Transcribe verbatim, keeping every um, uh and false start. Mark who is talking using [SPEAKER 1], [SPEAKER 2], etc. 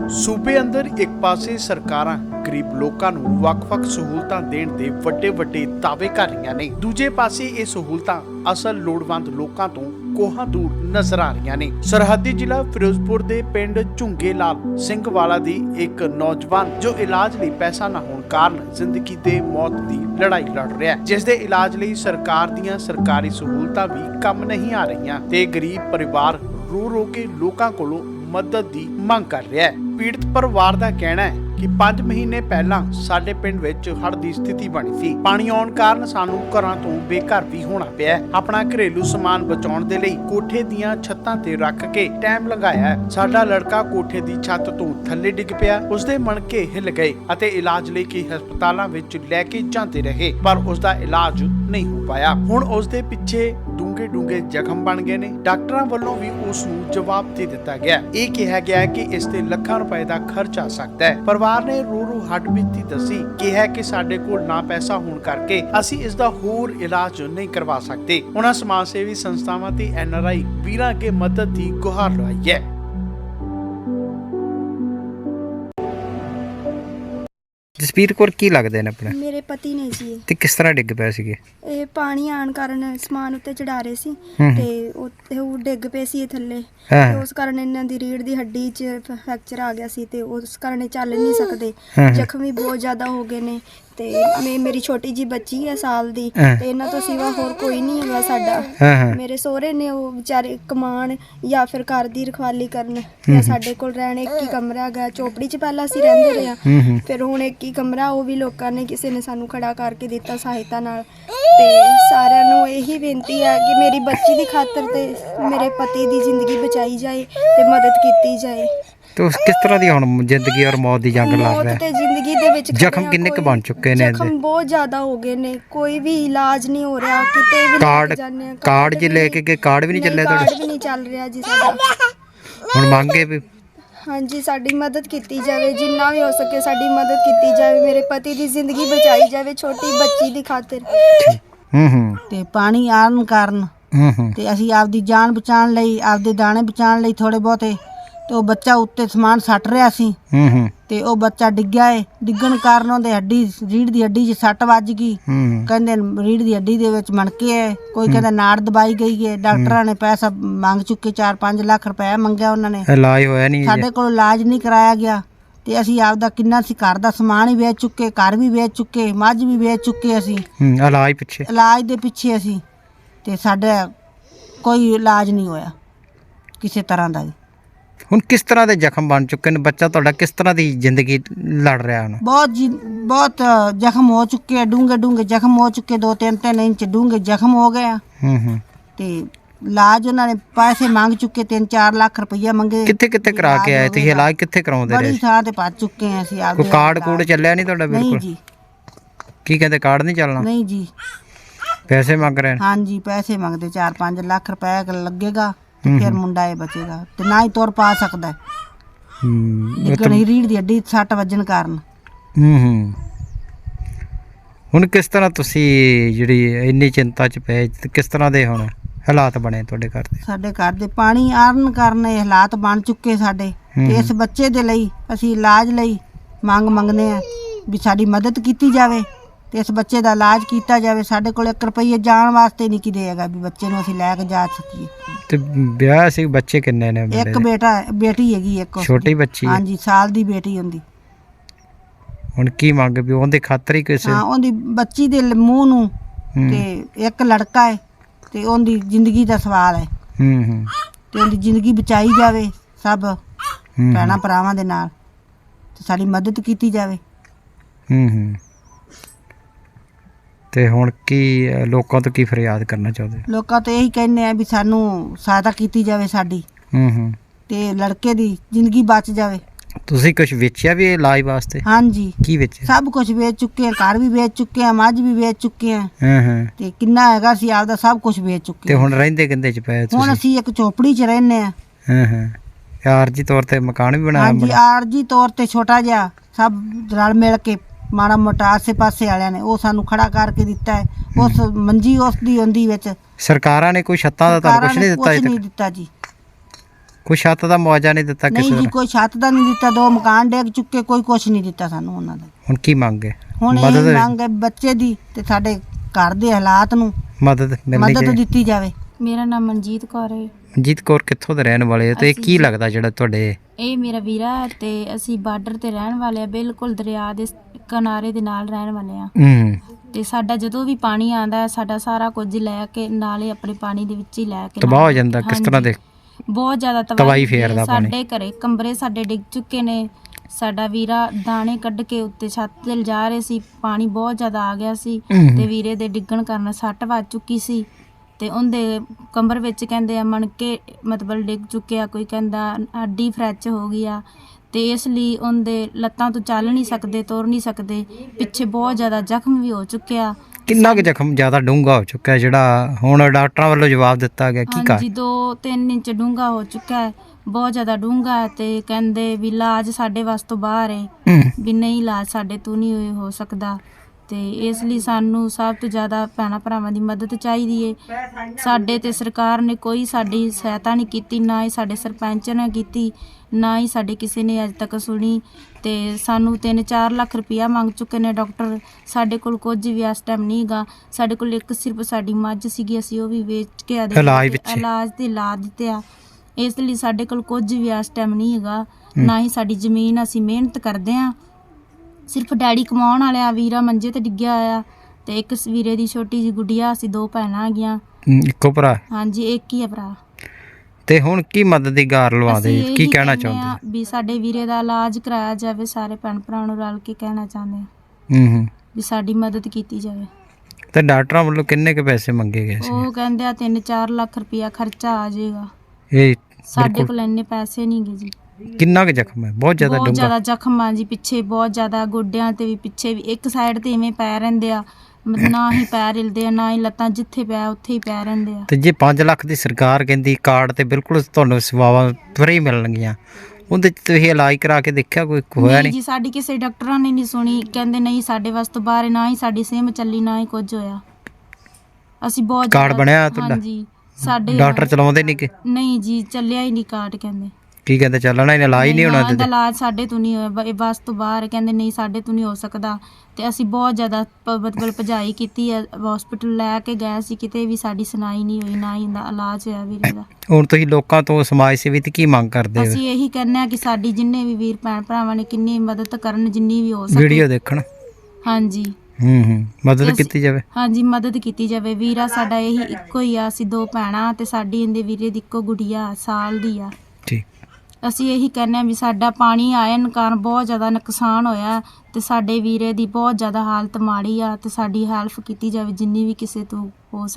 [SPEAKER 1] सूबे अंदर एक पासे सरकारां गरीब लोकां नूं वख-वख सहूलतां देण दे ਵੱਡੇ-ਵੱਡੇ ਦਾਅਵੇ ਕਰ ਰਹੀਆਂ ਨੇ। ਦੂਜੇ ਪਾਸੇ ਇਹ सहूलतां ਅਸਲ ਲੋੜਵੰਦ ਲੋਕਾਂ ਤੋਂ ਕੋਹਾਂ ਦੂਰ ਨਜ਼ਰ ਆ ਰਹੀਆਂ ਨੇ। ਸਰਹੱਦੀ ਜ਼ਿਲ੍ਹਾ ਫਿਰੋਜ਼ਪੁਰ ਦੇ ਪਿੰਡ ਝੁੰਗੇ ਲਾਲ ਸਿੰਘ ਵਾਲਾ ਦੀ ਇੱਕ ਨੌਜਵਾਨ ਜੋ ਇਲਾਜ ਲਈ ਪੈਸਾ ਨਾ ਹੋਣ ਕਾਰਨ ਜ਼ਿੰਦਗੀ ਤੇ ਮੌਤ ਦੀ ਲੜਾਈ ਲੜ ਰਿਹਾ ਹੈ, ਜਿਸ ਦੇ ਇਲਾਜ ਲਈ ਸਰਕਾਰ ਦੀਆਂ ਸਰਕਾਰੀ सहूलतां ਵੀ ਕੰਮ ਨਹੀਂ ਆ ਰਹੀਆਂ ਤੇ ਗਰੀਬ ਪਰਿਵਾਰ रो रो के लोकां कोलों मदद दी मांग कर रहा है। पीड़ित परिवार का कहना है कि पांच महीने पहला साडे पिंड विच हड़ दी स्थिति बनी सी। पानी आउण कारण सानू घरां तों बेघर भी होना पिया। अपना घरेलू समान बचाउण दे लई कोठे दीयां छत्तां ते रख के टाइम लगाया है। साडा लड़का कोठे दी छत तों थल्ले डिग पिया, उसदे मणके हिल गए अते इलाज लई कई हस्पतालां विच लै के जांदे रहे पर उसदा इलाज नहीं हो पाया। हुण उसदे पिछे डूंगे डूंगे जख्म बन गए ने। डॉक्टरां वल्लों भी उस नूं जवाब दे दिता गया। यह कहा गया है कि इस ते ਲੱਖਾਂ रुपए का खर्च आ सकता है। परिवार ने रो रो हੱਡ ਬੀਤੀ दसी कि है कि साडे कोल ना पैसा होने करके असीं इस दा होर इलाज नहीं करवा सकते। उन्हां समाज सेवी संस्थावां ते एन आर आई वीरां के मदद की गुहार लगाई है।
[SPEAKER 2] ਜਸਪੀਰ ਕੌਰ ਕੀ ਲੱਗਦੇ ਨੇ ਆਪਣੇ?
[SPEAKER 3] ਮੇਰੇ ਪਤੀ ਨੇ ਜੀ।
[SPEAKER 2] ਤੇ ਕਿਸ ਤਰ੍ਹਾਂ ਡਿੱਗ ਪਏ ਸੀਗੇ?
[SPEAKER 3] ਇਹ ਪਾਣੀ ਆਣ ਕਾਰਨ ਸਮਾਨ ਉੱਤੇ ਚੜਾ ਰਹੇ ਸੀ ਤੇ ਉੱਤੇ ਉਹ ਡਿੱਗ ਪਏ ਸੀ ਥੱਲੇ ਤੇ ਉਸ ਕਾਰਨ ਇਹਨਾਂ ਦੀ ਰੀੜ ਦੀ ਹੱਡੀ 'ਚ ਫ੍ਰੈਕਚਰ ਆ ਗਿਆ ਸੀ ਤੇ ਉਸ ਕਾਰਨ ਇਹ ਚੱਲ ਨਹੀਂ ਸਕਦੇ। ਜ਼ਖਮ ਵੀ ਬਹੁਤ ਜ਼ਿਆਦਾ ਹੋ ਗਏ ਨੇ ਤੇ ਮੈਂ ਮੇਰੀ ਛੋਟੀ ਜੀ ਬੱਚੀ ਹੈ ਸਾਲ ਦੀ ਤੇ ਇਹਨਾਂ ਤੋਂ ਸਿਵਾ ਹੋਰ ਕੋਈ ਨਹੀਂ ਹੈਗਾ ਸਾਡਾ। ਮੇਰੇ ਸਹੁਰੇ ਨੇ ਉਹ ਵਿਚਾਰੇ ਕਮਾਣ ਜਾਂ ਫਿਰ ਘਰ ਦੀ ਰਖਵਾਲੀ ਕਰਨ ਜਾਂ ਸਾਡੇ ਕੋਲ ਰਹਿਣ। ਇੱਕ ਹੀ ਕਮਰਾ ਹੈਗਾ, ਚੋਪੜੀ 'ਚ ਪਹਿਲਾਂ ਅਸੀਂ ਰਹਿੰਦੇ ਰਹੇ ਹਾਂ, ਫਿਰ ਹੁਣ ਇੱਕ ਹੀ ਕਮਰਾ ਉਹ ਵੀ ਲੋਕਾਂ ਨੇ ਕਿਸੇ ਨੇ ਸਾਨੂੰ ਖੜਾ ਕਰਕੇ ਦਿੱਤਾ ਸਹਾਇਤਾ ਨਾਲ। ਤੇ ਸਾਰਿਆਂ ਨੂੰ ਇਹੀ ਬੇਨਤੀ ਹੈ ਕਿ ਮੇਰੀ ਬੱਚੀ ਦੀ ਖਾਤਰ ਤੇ ਮੇਰੇ ਪਤੀ ਦੀ ਜ਼ਿੰਦਗੀ ਬਚਾਈ ਜਾਏ ਤੇ ਮਦਦ ਕੀਤੀ ਜਾਏ।
[SPEAKER 2] ਤੇ ਉਸ ਕਿਸ ਤਰ੍ਹਾਂ ਦੀ ਹੁਣ ਜ਼ਿੰਦਗੀ ਔਰ ਮੌਤ ਦੀ ਜੰਗ ਲੜ ਰਿਹਾ ਹੈ?
[SPEAKER 3] ਤੇ ਜ਼ਿੰਦਗੀ ਦੇ ਵਿੱਚ
[SPEAKER 2] ਜ਼ਖਮ ਕਿੰਨੇ ਕੁ ਬਣ ਚੁੱਕੇ ਨੇ?
[SPEAKER 3] ਜ਼ਖਮ ਬਹੁਤ ਜ਼ਿਆਦਾ ਹੋ ਗਏ ਨੇ, ਕੋਈ ਵੀ ਇਲਾਜ ਨਹੀਂ ਹੋ ਰਿਹਾ। ਕਿਤੇ ਵੀ
[SPEAKER 2] ਕਾਰਡ ਕਾਰਡ ਜੇ ਲੈ ਕੇ ਗਏ, ਕਾਰਡ ਵੀ ਨਹੀਂ ਚੱਲਿਆ ਤੁਹਾਡਾ?
[SPEAKER 3] ਕਾਰਡ ਵੀ ਨਹੀਂ ਚੱਲ ਰਿਹਾ ਜੀ ਸਾਡਾ।
[SPEAKER 2] ਹੁਣ ਮੰਗੇ ਵੀ
[SPEAKER 3] ਹਾਂਜੀ ਸਾਡੀ ਮਦਦ ਕੀਤੀ ਜਾਵੇ, ਜਿੰਨਾ ਵੀ ਹੋ ਸਕੇ ਸਾਡੀ ਮਦਦ ਕੀਤੀ ਜਾਵੇ। ਮੇਰੇ ਪਤੀ ਦੀ ਜ਼ਿੰਦਗੀ ਬਚਾਈ ਜਾਵੇ ਛੋਟੀ ਬੱਚੀ ਦੀ ਖਾਤਰ।
[SPEAKER 2] ਹੂੰ ਹੂੰ
[SPEAKER 4] ਤੇ ਪਾਣੀ ਆਉਣ ਕਾਰਨ
[SPEAKER 2] ਹੂੰ ਹੂੰ
[SPEAKER 4] ਤੇ ਅਸੀਂ ਆਪਦੀ ਜਾਨ ਬਚਾਉਣ ਲਈ, ਆਪਦੇ ਦਾਣੇ ਬਚਾਉਣ ਲਈ ਥੋੜੇ ਬਹੁਤੇ ਤੇ ਉਹ ਬੱਚਾ ਉੱਤੇ ਸਮਾਨ ਸੱਟ ਰਿਹਾ ਸੀ
[SPEAKER 2] ਹੂੰ ਹੂੰ
[SPEAKER 4] ਤੇ ਉਹ ਬੱਚਾ ਡਿੱਗਿਆ ਏ। ਡਿੱਗਣ ਕਾਰਨ ਉਹਦੇ ਹੱਡੀ ਰੀੜ ਦੀ ਹੱਡੀ 'ਚ ਸੱਟ ਵੱਜ ਗਈ।
[SPEAKER 2] ਹੂੰ
[SPEAKER 4] ਕਹਿੰਦੇ ਰੀੜ ਦੀ ਹੱਡੀ ਦੇ ਵਿੱਚ ਮਣਕੇ ਹੈ, ਕੋਈ ਕਹਿੰਦਾ ਨਾੜ ਦਬਾਈ ਗਈ ਹੈ। ਡਾਕਟਰਾਂ ਨੇ ਪੈਸਾ ਮੰਗ ਚੁੱਕੇ, ਚਾਰ ਪੰਜ ਲੱਖ ਰੁਪਏ ਮੰਗਿਆ ਉਹਨਾਂ ਨੇ।
[SPEAKER 2] ਇਲਾਜ ਹੋਇਆ ਨਹੀਂ?
[SPEAKER 4] ਸਾਡੇ ਕੋਲ ਇਲਾਜ ਨਹੀਂ ਕਰਾਇਆ ਗਿਆ ਤੇ ਅਸੀਂ ਆਪਦਾ ਕਿੰਨਾ ਸੀ ਘਰ ਦਾ ਸਮਾਨ ਹੀ ਵੇਚ ਚੁੱਕੇ, ਘਰ ਵੀ ਵੇਚ ਚੁੱਕੇ, ਮੱਝ ਵੀ ਵੇਚ ਚੁੱਕੇ ਅਸੀਂ
[SPEAKER 2] ਹੂੰ ਇਲਾਜ ਪਿੱਛੇ
[SPEAKER 4] ਇਲਾਜ ਦੇ ਪਿੱਛੇ ਅਸੀਂ। ਤੇ ਸਾਡਾ ਕੋਈ ਇਲਾਜ ਨਹੀਂ ਹੋਇਆ ਕਿਸੇ ਤਰ੍ਹਾਂ ਦਾ ਵੀ।
[SPEAKER 2] ਹੁਣ ਕਿਸ ਤਰ੍ਹਾਂ ਦੇ ਜ਼ਖਮ ਬਣ ਚੁੱਕੇ ਨੇ? ਬੱਚਾ ਤੁਹਾਡਾ ਕਿਸ ਤਰ੍ਹਾਂ ਦੀ ਜ਼ਿੰਦਗੀ ਲੜ ਰਿਹਾ ਹੁਣ?
[SPEAKER 4] ਬਹੁਤ ਜੀ ਬਹੁਤ ਜ਼ਖਮ ਹੋ ਚੁੱਕੇ, ਡੂੰਘੇ ਡੂੰਘੇ ਜ਼ਖਮ ਹੋ ਚੁੱਕੇ, ਦੋ ਤਿੰਨ ਤਿੰਨ ਇੰਚ ਡੂੰਘੇ ਜ਼ਖਮ ਹੋ ਗਏ ਆ।
[SPEAKER 2] ਹੂੰ ਹੂੰ
[SPEAKER 4] ਤੇ ਇਲਾਜ ਉਹਨਾਂ ਨੇ ਪੈਸੇ ਮੰਗ ਚੁੱਕੇ, ਤਿੰਨ ਚਾਰ ਲੱਖ ਰੁਪਈਆ ਮੰਗੇ।
[SPEAKER 2] ਕਿੱਥੇ ਕਿੱਥੇ ਕਰਾ ਕੇ ਆਏ ਤੁਸੀਂ? ਇਲਾਜ ਕਿੱਥੇ ਕਰਾਉਂਦੇ ਰਹੇ?
[SPEAKER 4] ਬੜੀ ਥਾਂ ਤੇ ਭੱਜ ਚੁੱਕੇ ਆ ਅਸੀਂ। ਆਪਦੇ
[SPEAKER 2] ਕੋਈ ਕਾਰਡ ਕੂਡ ਚੱਲਿਆ ਨਹੀਂ ਤੁਹਾਡਾ?
[SPEAKER 4] ਨਹੀਂ
[SPEAKER 2] ਬਿਲਕੁਲ
[SPEAKER 4] ਜੀ,
[SPEAKER 2] ਕੀ ਕਹਿੰਦੇ ਕਾਰਡ ਨਹੀਂ ਚੱਲਣਾ?
[SPEAKER 4] ਨਹੀਂ ਜੀ।
[SPEAKER 2] ਪੈਸੇ ਮੰਗ ਰਹੇ ਨੇ?
[SPEAKER 4] ਹਾਂਜੀ ਪੈਸੇ ਮੰਗਦੇ, ਚਾਰ ਪੰਜ ਲੱਖ ਰੁਪਏ ਲੱਗੇਗਾ ਤੇ ਫਿਰ ਮੁੰਡਾ ਇਹ ਬਚੇਗਾ ਤੇ ਨਾ ਹੀ ਤੁਰ ਪਾ ਸਕਦਾ।
[SPEAKER 2] ਹੂੰ
[SPEAKER 4] ਡਿੱਗਣ ਹੀ ਰੀੜ ਦੀ ਹੱਡੀ ਸੱਟ ਵੱਜਣ ਕਾਰਨ।
[SPEAKER 2] ਹੂੰ ਹੂੰ ਹੁਣ ਕਿਸ ਤਰ੍ਹਾਂ ਤੁਸੀਂ ਜਿਹੜੀ ਇੰਨੀ ਚਿੰਤਾ 'ਚ ਪਏ ਤੇ ਕਿਸ ਤਰ੍ਹਾਂ ਦੇ ਹੁਣ ਹਾਲਾਤ ਬਣੇ ਤੁਹਾਡੇ ਘਰ ਦੇ?
[SPEAKER 4] ਸਾਡੇ ਘਰ ਦੇ ਪਾਣੀ ਆਰਨ ਕਾਰਨ ਇਹ ਹਾਲਾਤ ਬਣ ਚੁੱਕੇ ਸਾਡੇ। ਤੇ ਇਸ ਬੱਚੇ ਦੇ ਲਈ ਅਸੀਂ ਇਲਾਜ ਲਈ ਮੰਗ ਮੰਗਦੇ ਆ ਵੀ ਸਾਡੀ ਮਦਦ ਕੀਤੀ ਜਾਵੇ ਤੇ ਇਸ ਬੱਚੇ ਦਾ ਇਲਾਜ ਕੀਤਾ ਜਾਵੇ। ਸਾਡੇ ਕੋਲ ਇੱਕ ਰੁਪਈਆ ਜਾਣ ਵਾਸਤੇ ਨਹੀਂ ਕਿਤੇ ਹੈਗਾ ਵੀ ਬੱਚੇ ਨੂੰ ਅਸੀਂ ਲੈ ਕੇ ਜਾ ਸਕੀਏ।
[SPEAKER 2] ਤੇ ਵਿਆਹ ਸੀ? ਬੱਚੇ ਕਿੰਨੇ ਨੇ?
[SPEAKER 4] ਇੱਕ ਬੇਟਾ ਬੇਟੀ ਹੈਗੀ ਇੱਕ।
[SPEAKER 2] ਛੋਟੀ ਬੱਚੀ?
[SPEAKER 4] ਹਾਂਜੀ ਸਾਲ ਦੀ ਬੇਟੀ ਹੁੰਦੀ।
[SPEAKER 2] ਹੁਣ ਕੀ ਮੰਗ ਵੀ ਉਹਦੇ ਖਾਤਰ ਹੀ ਕਿਸੇ?
[SPEAKER 4] ਹਾਂ ਉਹਦੀ ਬੱਚੀ ਦੇ ਮੂੰਹ ਨੂੰ ਤੇ ਇੱਕ ਲੜਕਾ ਹੈ ਤੇ ਉਹਦੀ ਜ਼ਿੰਦਗੀ ਦਾ ਸਵਾਲ ਹੈ।
[SPEAKER 2] ਹੂੰ ਹੂੰ
[SPEAKER 4] ਤੇ ਉਹਦੀ ਜ਼ਿੰਦਗੀ ਬਚਾਈ ਜਾਵੇ ਸਭ ਭੈਣਾਂ ਭਰਾਵਾਂ ਦੇ ਨਾਲ ਤੇ ਸਾਡੀ ਮਦਦ ਕੀਤੀ ਜਾਵੇ।
[SPEAKER 2] ਹੂੰ ਹੂੰ ਤੇ ਹੁਣ ਕੀ ਲੋਕਾਂ ਤੋਂ ਕੀ ਫਰਿਆਦ ਕਰਨਾ ਚਾਹੁੰਦੇ?
[SPEAKER 4] ਲੋਕਾਂ ਤੋਂ ਇਹੀ ਕਹਿੰਦੇ ਆ ਵੀ ਸਾਨੂੰ ਸਹਾਇਤਾ ਕੀਤੀ ਜਾਵੇ ਸਾਡੀ
[SPEAKER 2] ਹੂੰ ਹੂੰ
[SPEAKER 4] ਤੇ ਲੜਕੇ ਦੀ ਜ਼ਿੰਦਗੀ ਬਚ ਜਾਵੇ।
[SPEAKER 2] ਤੁਸੀਂ ਕੁਝ ਵੇਚਿਆ ਵੀ ਇਲਾਜ ਵਾਸਤੇ?
[SPEAKER 4] ਹਾਂਜੀ
[SPEAKER 2] ਕੀ ਵੇਚਿਆ?
[SPEAKER 4] ਸਭ ਕੁਝ ਵੇਚ ਚੁੱਕੇ ਆ, ਘਰ ਵੀ ਵੇਚ ਚੁੱਕੇ ਆ, ਮੱਝ ਵੀ ਵੇਚ ਚੁੱਕੇ ਆ
[SPEAKER 2] ਹਾਂ ਹਾਂ
[SPEAKER 4] ਤੇ ਕਿੰਨਾ ਹੈਗਾ ਸੀ ਆਪਦਾ ਸਭ ਕੁਝ ਵੇਚ ਚੁੱਕੇ।
[SPEAKER 2] ਤੇ ਹੁਣ ਰਹਿੰਦੇ ਕਿੰਦੇ 'ਚ ਪਏ
[SPEAKER 4] ਹੁਣ
[SPEAKER 2] ਤੁਸੀਂ?
[SPEAKER 4] ਅਸੀਂ ਇੱਕ ਝੋਪੜੀ 'ਚ ਰਹਿੰਦੇ ਆ।
[SPEAKER 2] ਹਾਂ ਹਾਂ ਆਰਜੀ ਤੌਰ ਤੇ ਮਕਾਨ ਵੀ ਬਣਾਇਆ?
[SPEAKER 4] ਹਾਂਜੀ ਆਰਜੀ ਤੌਰ ਤੇ ਛੋਟਾ ਜਿਹਾ ਸਭ ਰਲ ਮਿਲ ਕੇ ਮਾੜਾ ਮੋਟਾ ਆਸੇ ਪਾਸੇ ਵਾਲਿਆਂ ਨੇ ਉਹ ਸਾਨੂੰ ਖੜਾ ਕਰਕੇ ਦਿੱਤਾ ਹੈ। ਉਸ ਮੰਜੀ ਉਸ ਦੀ ਹੁੰਦੀ ਵਿੱਚ
[SPEAKER 2] ਸਰਕਾਰਾਂ ਨੇ ਕੋਈ ਛੱਤਾਂ ਦਾ ਤੁਹਾਨੂੰ ਕੁਝ ਨਹੀਂ ਦਿੱਤਾ?
[SPEAKER 4] ਕੁਝ ਨਹੀਂ ਦਿੱਤਾ ਜੀ।
[SPEAKER 2] ਕੋਈ ਛੱਤ ਦਾ ਮੁਆਵਜ਼ਾ ਨਹੀਂ ਦਿੱਤਾ
[SPEAKER 4] ਨਹੀਂ
[SPEAKER 2] ਕਿਸੇ
[SPEAKER 4] ਜੀ
[SPEAKER 2] ਦਾ?
[SPEAKER 4] ਕੋਈ ਛੱਤ ਦਾ ਨਹੀਂ ਦਿੱਤਾ, ਦੋ ਮਕਾਨ ਡੇਗ ਚੁੱਕੇ, ਕੋਈ ਕੁਛ ਨਹੀਂ ਦਿੱਤਾ ਸਾਨੂੰ ਉਹਨਾਂ ਦਾ।
[SPEAKER 2] ਹੁਣ ਕੀ ਮੰਗ ਹੈ?
[SPEAKER 4] ਹੁਣ ਇਹ
[SPEAKER 2] ਮਦਦ
[SPEAKER 4] ਮੰਗ ਹੈ ਬੱਚੇ ਦੀ ਤੇ ਸਾਡੇ ਘਰ ਦੇ ਹਾਲਾਤ ਨੂੰ
[SPEAKER 2] ਮਦਦ ਮਿਲਣੀ
[SPEAKER 4] ਮਦਦ
[SPEAKER 2] ਚਾਹੀਦੀ।
[SPEAKER 4] ਦਿੱਤੀ ਜਾਵੇ।
[SPEAKER 3] ਮੇਰਾ ਨਾਮ ਮਨਜੀਤ ਕੌਰ ਹੈ।
[SPEAKER 2] ਮਨਜੀਤ ਕੌਰ ਕਿੱਥੋਂ ਦੇ ਰਹਿਣ ਵਾਲੇ ਹੋ ਤੇ ਇਹ
[SPEAKER 3] ਅਸੀਂ
[SPEAKER 2] ਕੀ
[SPEAKER 3] ਜੀ-
[SPEAKER 2] ਲੱਗਦਾ ਜਿਹੜਾ ਤੁਹਾਡੇ?
[SPEAKER 3] ਇਹ ਮੇਰਾ ਵੀਰਾ ਹੈ ਤੇ ਅਸੀਂ ਬਾਰਡਰ ਤੇ ਰਹਿਣ ਵਾਲੇ ਆ, ਬਿਲਕੁਲ ਦਰਿਆ ਦੇ ਕਿਨਾਰੇ ਦੇ ਨਾਲ ਰਹਿਣ ਵਾਲੇ ਆ।
[SPEAKER 2] ਹੂੰ
[SPEAKER 3] ਤੇ ਸਾਡਾ ਜਦੋਂ ਵੀ ਪਾਣੀ ਆਂਦਾ ਸਾਡਾ ਸਾਰਾ ਕੁਝ ਲੈ ਕੇ ਨਾਲੇ ਆਪਣੇ ਪਾਣੀ ਦੇ ਵਿੱਚ ਹੀ ਲੈ ਕੇ
[SPEAKER 2] ਤਬਾਹ ਹੋ
[SPEAKER 3] ਨਾਲ-
[SPEAKER 2] ਜਾਂਦਾ ਕਿਸ ਤਰ੍ਹਾਂ ਦੇ?
[SPEAKER 3] ਬਹੁਤ ਜ਼ਿਆਦਾ
[SPEAKER 2] ਤਬਾਹੀ
[SPEAKER 3] ਤਬਾਹੀ
[SPEAKER 2] ਫੇਰਦਾ ਪਾਣੀ।
[SPEAKER 3] ਸਾਡੇ ਘਰੇ ਕਮਰੇ ਸਾਡੇ ਡਿੱਗ ਚੁੱਕੇ ਨੇ। ਸਾਡਾ ਵੀਰਾ ਦਾਣੇ ਕੱਢ ਕੇ ਉੱਤੇ ਛੱਤ ਤੇ ਲਿਜਾ ਰਹੇ ਸੀ, ਪਾਣੀ ਬਹੁਤ ਜ਼ਿਆਦਾ ਆ ਗਿਆ ਸੀ
[SPEAKER 2] ਹੂੰ।
[SPEAKER 3] ਤੇ ਵੀਰੇ ਦੇ ਡਿੱਗਣ ਕਾਰਨ ਸੱਟ ਵੱਜ ਚੁੱਕੀ ਸੀ ਤੇ ਉਹਦੇ ਕਮਰ ਵਿੱਚ ਕਹਿੰਦੇ ਆ ਮਣਕੇ ਮਤਲਬ ਡਿੱਗ ਚੁੱਕਿਆ, ਕੋਈ ਕਹਿੰਦਾ ਹੱਡੀ ਫ੍ਰੈਕਚਰ ਹੋ ਗਈ ਆ ਤੇ ਇਸ ਲਈ ਉਹਦੇ ਲੱਤਾਂ ਤੋਂ ਚੱਲ ਨਹੀਂ ਸਕਦੇ, ਤੁਰ ਨਹੀਂ ਸਕਦੇ, ਪਿੱਛੇ ਬਹੁਤ ਜ਼ਿਆਦਾ ਜ਼ਖਮ ਵੀ ਹੋ ਚੁੱਕਿਆ।
[SPEAKER 2] ਕਿੰਨਾ ਕੁ ਜ਼ਖਮ ਜ਼ਿਆਦਾ ਡੂੰਘਾ ਹੋ ਚੁੱਕਾ ਹੈ ਜਿਹੜਾ ਹੁਣ ਡਾਕਟਰਾਂ ਵੱਲੋਂ ਜਵਾਬ ਦਿੱਤਾ ਗਿਆ? ਕੀ ਕਰ
[SPEAKER 3] ਹਾਂਜੀ ਦੋ ਤਿੰਨ ਇੰਚ ਡੂੰਘਾ ਹੋ ਚੁੱਕਾ ਹੈ, ਬਹੁਤ ਜ਼ਿਆਦਾ ਡੂੰਘਾ ਹੈ ਤੇ ਕਹਿੰਦੇ ਵੀ ਇਲਾਜ ਸਾਡੇ ਵੱਸ ਤੋਂ ਬਾਹਰ ਹੈ,
[SPEAKER 2] ਹੂੰ।
[SPEAKER 3] ਵੀ ਨਹੀਂ ਇਲਾਜ ਸਾਡੇ ਤੋਂ ਨਹੀਂ ਹੋ ਸਕਦਾ ਤੇ ਇਸ ਲਈ ਸਾਨੂੰ ਸਭ ਤੋਂ ਜ਼ਿਆਦਾ ਭੈਣਾਂ ਭਰਾਵਾਂ ਦੀ ਮਦਦ ਚਾਹੀਦੀ ਹੈ। ਸਾਡੇ ਤੇ ਸਰਕਾਰ ਨੇ ਕੋਈ ਸਾਡੀ ਸਹਾਇਤਾ ਨਹੀਂ ਕੀਤੀ, ਨਾ ਹੀ ਸਾਡੇ ਸਰਪੰਚ ਨੇ ਕੀਤੀ, ਨਾ ਹੀ ਸਾਡੇ ਕਿਸੇ ਨੇ ਅੱਜ ਤੱਕ ਸੁਣੀ ਤੇ ਸਾਨੂੰ ਤਿੰਨ ਚਾਰ ਲੱਖ ਰੁਪਇਆ ਮੰਗ ਚੁੱਕੇ ਨੇ ਡਾਕਟਰ। ਸਾਡੇ ਕੋਲ ਕੁਝ ਵੀ ਇਸ ਟਾਈਮ ਨਹੀਂ ਹੈਗਾ। ਸਾਡੇ ਕੋਲ ਇੱਕ ਸਿਰਫ ਸਾਡੀ ਮੱਝ ਸੀਗੀ, ਅਸੀਂ ਉਹ ਵੀ ਵੇਚ ਕੇ ਆਦੇ
[SPEAKER 2] ਇਲਾਜ ਪਿੱਛੇ।
[SPEAKER 3] ਇਲਾਜ ਤੇ ਲਾ ਦਿੱਤੇ ਆ। ਇਸ ਲਈ ਸਾਡੇ ਕੋਲ ਕੁਝ ਵੀ ਇਸ ਟਾਈਮ ਨਹੀਂ ਹੈਗਾ, ਨਾ ਹੀ ਸਾਡੀ ਜ਼ਮੀਨ। ਅਸੀਂ ਮਿਹਨਤ ਕਰਦੇ ਆ, ਸਿਰਫ ਡੈਡੀ ਕਮਾਉਣ ਵਾਲੇ ਆ, ਵੀਰਾ ਮੰਜੇ ਤੇ ਡਿੱਗਿਆ ਹੋਇਆ ਤੇ ਇੱਕ ਵੀਰੇ ਦੀ ਛੋਟੀ ਜਿਹੀ ਗੁੱਡੀਆ, ਅਸੀਂ ਦੋ ਭੈਣਾਂ ਹੈਗੀਆਂ।
[SPEAKER 2] ਹੂੰ, ਇੱਕੋ ਭਰਾ?
[SPEAKER 3] ਹਾਂਜੀ ਇੱਕ ਹੀ ਆ ਭਰਾ।
[SPEAKER 2] ਤੇ ਹੁਣ ਕੀ ਮਦਦ ਦੀ ਗਾਰ ਲਵਾ ਦੇ?
[SPEAKER 3] ਅਸੀਂ
[SPEAKER 2] ਕੀ
[SPEAKER 3] ਇਹੀ
[SPEAKER 2] ਕਹਿਣਾ
[SPEAKER 3] ਕਹਿੰਦੇ
[SPEAKER 2] ਚਾਹੁੰਦੇ?
[SPEAKER 3] ਆ ਵੀ ਸਾਡੇ ਵੀਰੇ ਦਾ ਇਲਾਜ ਕਰਾਇਆ ਜਾਵੇ, ਸਾਰੇ ਭੈਣ ਭਰਾਵਾਂ ਨੂੰ ਰਲ ਕੇ ਕਹਿਣਾ ਚਾਹੁੰਦੇ ਆ
[SPEAKER 2] ਹੂੰ ਹੂੰ।
[SPEAKER 3] ਵੀ ਸਾਡੀ ਮਦਦ ਕੀਤੀ ਜਾਵੇ।
[SPEAKER 2] ਤੇ ਡਾਕਟਰਾਂ ਵੱਲੋਂ ਕਿੰਨੇ ਕੁ ਪੈਸੇ ਮੰਗੇ ਗਏ ਸੀ?
[SPEAKER 3] ਉਹ ਕਹਿੰਦੇ ਆ ਤਿੰਨ ਚਾਰ ਲੱਖ ਰੁਪਇਆ ਖਰਚਾ ਆ ਜਾਏਗਾ।
[SPEAKER 2] ਇਹ
[SPEAKER 3] ਸਾਡੇ
[SPEAKER 2] ਬਿਲਕੁਲ।
[SPEAKER 3] ਕੋਲ ਇੰਨੇ ਪੈਸੇ ਨਹੀਂ ਗੇ ਜੀ।
[SPEAKER 2] ਕਿੰਨਾ ਕੁ ਜ਼ਖਮ ਹੈ? ਬਹੁਤ ਜ਼ਿਆਦਾ
[SPEAKER 3] ਬਹੁਤ
[SPEAKER 2] ਡੂੰਘਾ?
[SPEAKER 3] ਜ਼ਿਆਦਾ ਜ਼ਖਮ ਆ ਜੀ, ਪਿੱਛੇ ਬਹੁਤ ਜ਼ਿਆਦਾ, ਗੋਡਿਆਂ ਤੇ ਵੀ ਪਿੱਛੇ ਵੀ, ਇੱਕ ਸਾਈਡ ਤੇ ਇਵੇਂ ਪੈ ਰਹਿੰਦੇ ਆ, ਮ- ਨਾ ਹੀ ਪੈਰ ਹਿਲਦੇ ਆ, ਨਾ ਹੀ ਲੱਤਾਂ, ਜਿੱਥੇ ਪਿਆ ਉੱਥੇ ਹੀ ਪੈ ਰਹਿੰਦੇ ਆ।
[SPEAKER 2] ਤੇ ਜੇ ਪੰਜ ਲੱਖ ਦੀ ਸਰਕਾਰ ਕਹਿੰਦੀ ਕਾਰਡ ਤੇ ਬਿਲਕੁਲ ਤੁਹਾਨੂੰ ਸੇਵਾਵਾਂ ਫਰੀ ਮਿਲਣਗੀਆਂ, ਉਹਦੇ 'ਚ ਤੁਸੀਂ ਇਲਾਜ ਕਰਾ ਕੇ ਦੇਖਿਆ? ਕੋਈ ਹੋਇਆ
[SPEAKER 3] ਨਹੀਂ
[SPEAKER 2] ਨਹੀਂ?
[SPEAKER 3] ਜੀ, ਸਾਡੀ ਕਿਸੇ ਡਾਕਟਰਾਂ ਨੇ ਨਹੀਂ ਸੁਣੀ, ਕਹਿੰਦੇ ਨਹੀਂ ਸਾਡੇ ਵੱਸ ਤੋਂ ਬਾਹਰ ਹੈ, ਨਾ ਹੀ ਸਾਡੀ ਸਿਮ ਚੱਲੀ, ਨਾ ਹੀ ਕੁਝ ਹੋਇਆ। ਅਸੀਂ ਬਹੁਤ
[SPEAKER 2] ਕਾਰਡ
[SPEAKER 3] ਜ਼ਿਆਦਾ-
[SPEAKER 2] ਬਣਿਆ ਤੁਹਾਡਾ?
[SPEAKER 3] ਹਾਂਜੀ ਸਾਡੇ
[SPEAKER 2] ਡਾਕਟਰ ਚਲਾਉਂਦੇ ਨਹੀਂ ਕਿ?
[SPEAKER 3] ਨਹੀਂ ਜੀ, ਚੱਲਿਆ ਹੀ ਨਹੀਂ ਕਾਰਡ। ਕਹਿੰਦੇ
[SPEAKER 2] ਕੀ ਕਹਿੰਦੇ ਚੱਲਣਾ ਹੀ ਇਲਾਜ ਨਹੀਂ ਹੋਣਾ
[SPEAKER 3] ਨਾ, ਇਹਦਾ
[SPEAKER 2] ਦਿੰਦੇ?
[SPEAKER 3] ਇਲਾਜ ਸਾਡੇ ਤੋਂ ਨਹੀਂ ਹੋਇਆ, ਬ- ਇਹ ਬਸ ਤੋਂ ਬਾਹਰ ਹੈ। ਕਹਿੰਦੇ ਨਹੀਂ ਸਾਡੇ ਤੋਂ ਨਹੀਂ ਹੋ ਸਕਦਾ ਤੇ ਅਸੀਂ ਬਹੁਤ ਜ਼ਿਆਦਾ ਪ- ਮਤਲਬ ਭਜਾਈ ਕੀਤੀ ਹੈ, ਹਸਪੀਟਲ ਲੈ ਕੇ ਗਏ ਸੀ, ਕਿਤੇ ਵੀ ਸਾਡੀ ਸੁਣਾਈ ਨਹੀਂ ਹੋਈ, ਨਾ ਹੀ ਇਹਦਾ ਇਲਾਜ ਹੋਇਆ ਵੀਰੇ ਦਾ।
[SPEAKER 2] ਹੁਣ ਤੁਸੀਂ ਲੋਕਾਂ ਤੋਂ ਸਮਾਜ ਸੇਵੀ ਤੇ ਕੀ ਮੰਗ ਕਰਦੇ ਹੋ?
[SPEAKER 3] ਅਸੀਂ ਇਹੀ ਕਹਿੰਦੇ ਆ ਕਿ ਸਾਡੀ ਜਿੰਨੇ ਵੀ ਵੀਰ ਭੈਣ ਭਰਾਵਾਂ ਨੇ ਕਿੰਨੀ ਮਦਦ ਕਰਨ, ਜਿੰਨੀ ਵੀ ਹੋ ਸਕੇ।
[SPEAKER 2] ਵੀਡੀਓ ਦੇਖਣ?
[SPEAKER 3] ਹਾਂਜੀ
[SPEAKER 2] ਹੂੰ ਹੂੰ। ਮਦਦ
[SPEAKER 3] ਅਸੀਂ-
[SPEAKER 2] ਕੀਤੀ ਜਾਵੇ।
[SPEAKER 3] ਹਾਂਜੀ ਮਦਦ ਕੀਤੀ ਜਾਵੇ। ਵੀਰਾ ਸਾਡਾ ਇਹੀ ਇੱਕੋ ਹੀ ਆ, ਅਸੀਂ ਦੋ ਭੈਣਾਂ ਤੇ ਸਾਡੀ ਇਹਦੇ ਵੀਰੇ ਦੀ ਇੱਕੋ ਗੁੜੀਆ ਸਾਲ ਦੀ ਆ।
[SPEAKER 2] ਠੀਕ।
[SPEAKER 3] ਅਸੀਂ ਇਹੀ ਕਹਿੰਦੇ ਆ ਵੀ ਸਾਡਾ ਪਾਣੀ ਆਇਨ ਕਾਰਨ ਬਹੁਤ ਜ਼ਿਆਦਾ ਨੁਕਸਾਨ ਹੋਇਆ ਤੇ ਸਾਡੇ ਵੀਰੇ ਦੀ ਬਹੁਤ ਜ਼ਿਆਦਾ ਹਾਲਤ ਮਾੜੀ ਆ ਤੇ ਸਾਡੀ ਹੈਲਪ ਕੀਤੀ ਜਾਵੇ ਜਿੰਨੀ ਵੀ ਕਿਸੇ ਤੋਂ ਹੋ ਸਕੇ।